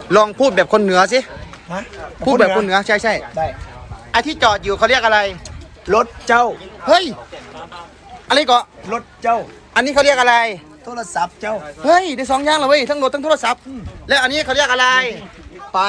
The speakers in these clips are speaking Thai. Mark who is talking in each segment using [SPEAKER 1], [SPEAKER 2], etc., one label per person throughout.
[SPEAKER 1] ลองพูดแบบคนเหนือสิ
[SPEAKER 2] ฮะ
[SPEAKER 1] พูดแบบคนเหนือใช่ใช่
[SPEAKER 2] ได้
[SPEAKER 1] ไอ้ที่จอดอยู่เขาเรียกอะไร
[SPEAKER 2] รถเจ้า
[SPEAKER 1] เฮ้ยอะไรก็
[SPEAKER 2] รถเจ้า
[SPEAKER 1] อันนี้เขาเรียกอะไร
[SPEAKER 2] โทรศัพท์เจ้า
[SPEAKER 1] เฮ้ยได้2อย่างเลยเว้ยทั้งรถทั้งโทรศัพท์แล้วอันนี้เขาเรียกอะไร
[SPEAKER 2] ไป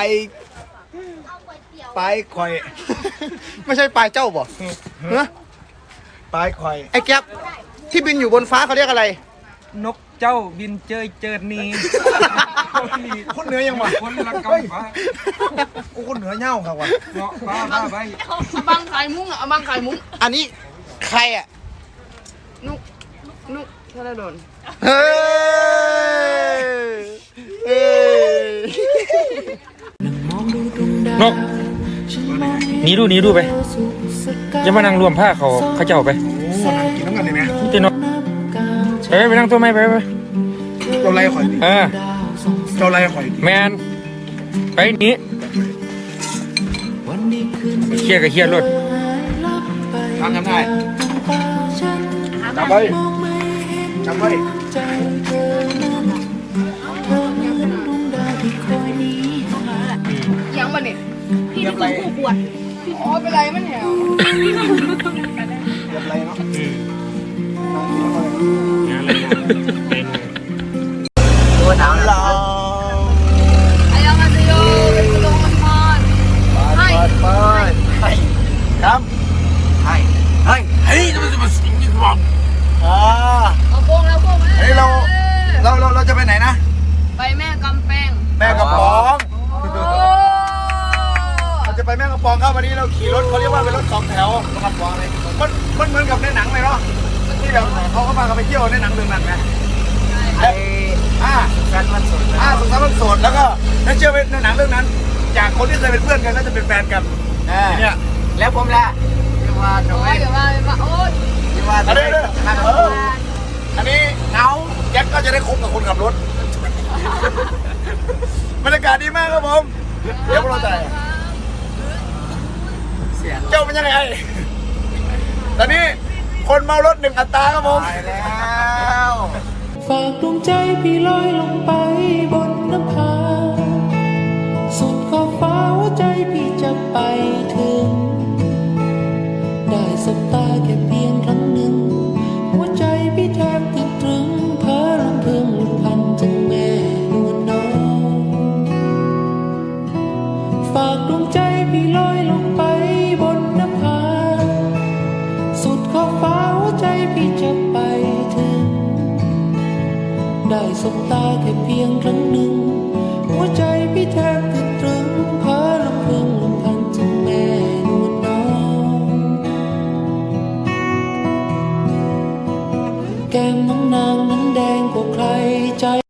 [SPEAKER 2] ข่อย
[SPEAKER 1] ไม่ใช่ปลายเจ้าบ่ฮะ
[SPEAKER 2] ไปข่อย
[SPEAKER 1] ไอ้แก๊ปที่บินอยู่บนฟ้าเขาเรียกอะไร
[SPEAKER 3] นกเจ้าบินเจยเจิดนี
[SPEAKER 2] คนเหนือยังวะ
[SPEAKER 3] คนละกำฟ้า
[SPEAKER 2] โอ้คนเหนือเง่าครับวะ
[SPEAKER 3] เงาะฟ้าบ้าใบ
[SPEAKER 4] เอาบังไข่มุ้งอ่ะเอาบังไข่มุ้ง
[SPEAKER 1] อันนี้ใครอ่ะ
[SPEAKER 4] นุกธนดล
[SPEAKER 1] เฮ้ยเฮ้ย
[SPEAKER 5] นกหนีดูไปจะมานั่งรวมผ้าเขาเจ้าไป
[SPEAKER 2] โอ้นั่งกินน้ำกันได้ไหม
[SPEAKER 5] นี่ตัวนกไปนั่งตัวไม่ไป
[SPEAKER 2] เจ้าไรข่อยดิ เจ้าไรข่อยดิ
[SPEAKER 5] แมนไปหนีเครียดกับเครียดรถ
[SPEAKER 2] ทำได้จำไว้จำไว้
[SPEAKER 4] ยังมาเนี่ยพี่นี่คือผู้ปวดอ๋อเป็นไรมันแหว
[SPEAKER 2] เรียบไรเนาะ
[SPEAKER 1] ตัวหนาวเรา
[SPEAKER 4] ไอ้ยังมาซิโยเป็นกระโดงมันมอนให้
[SPEAKER 2] ไปครับให้จะมาสิงที่บอก
[SPEAKER 4] เอาโป้งแล้วโป้ง
[SPEAKER 2] เฮ้ยเราจะไปไหนนะ
[SPEAKER 4] ไปแม่กำแพง
[SPEAKER 2] แม่กระป๋อง
[SPEAKER 4] โอ้
[SPEAKER 2] เราจะไปแม่กระป๋องครับวันนี้เราขี่รถเขาเรียกว่าเป็นรถ2 แถวกระป๋องอะไรมันเหมือนกับในหนังเลยเนาะที่แบบเขาก็มากันไปเที่ยวในหนังเรื่องนั้นไงสุขสันต์วันโสดแล้วก็ถ้าเชื่อในหนังเรื่องนั้น จากคนที่เคยเป็นเพื่อนกันก็จะเป็นแฟนกันเนี่ยแล้วผมล่ะที่ว่าจะ
[SPEAKER 4] โอ้
[SPEAKER 2] ไม่
[SPEAKER 4] ยเดี๋ยวมาโอ้ย
[SPEAKER 2] ที่ว่าจะไม่อันนี้เงาแจ็คก็จะได้คบกับคนขับรถบรรยากาศดีมากครับผมเดี๋ยวพวกเราจะเจ้าเป็นยังไงตอนนี้คนเมารถ1 อัตราครับผมไปแล้ว
[SPEAKER 6] ฝากดวงใจพี่ลอยลงไปบนนภาสุดขอบฟ้าหัวใจพี่จะไปถึง ได้สบตาแค่เพียงครั้งหนึ่งหัวใจพี่แทบติดตรึงเพ้อรำพึงหลุดพันถึงแม่นวลน้องฝากดวงใจพี่ลอยลงไปบนนภาสุดขอบฟ้าหัวใจพี่จะไปถึง ได้สบตาแค่เพียงครั้งหนึ่งหัวใจพี่แทบติดตรึงเพ้อรำพึงรำพันถึงแม่นวลน้องแก้มน้องนางนั้นแดงกว่าใครใจ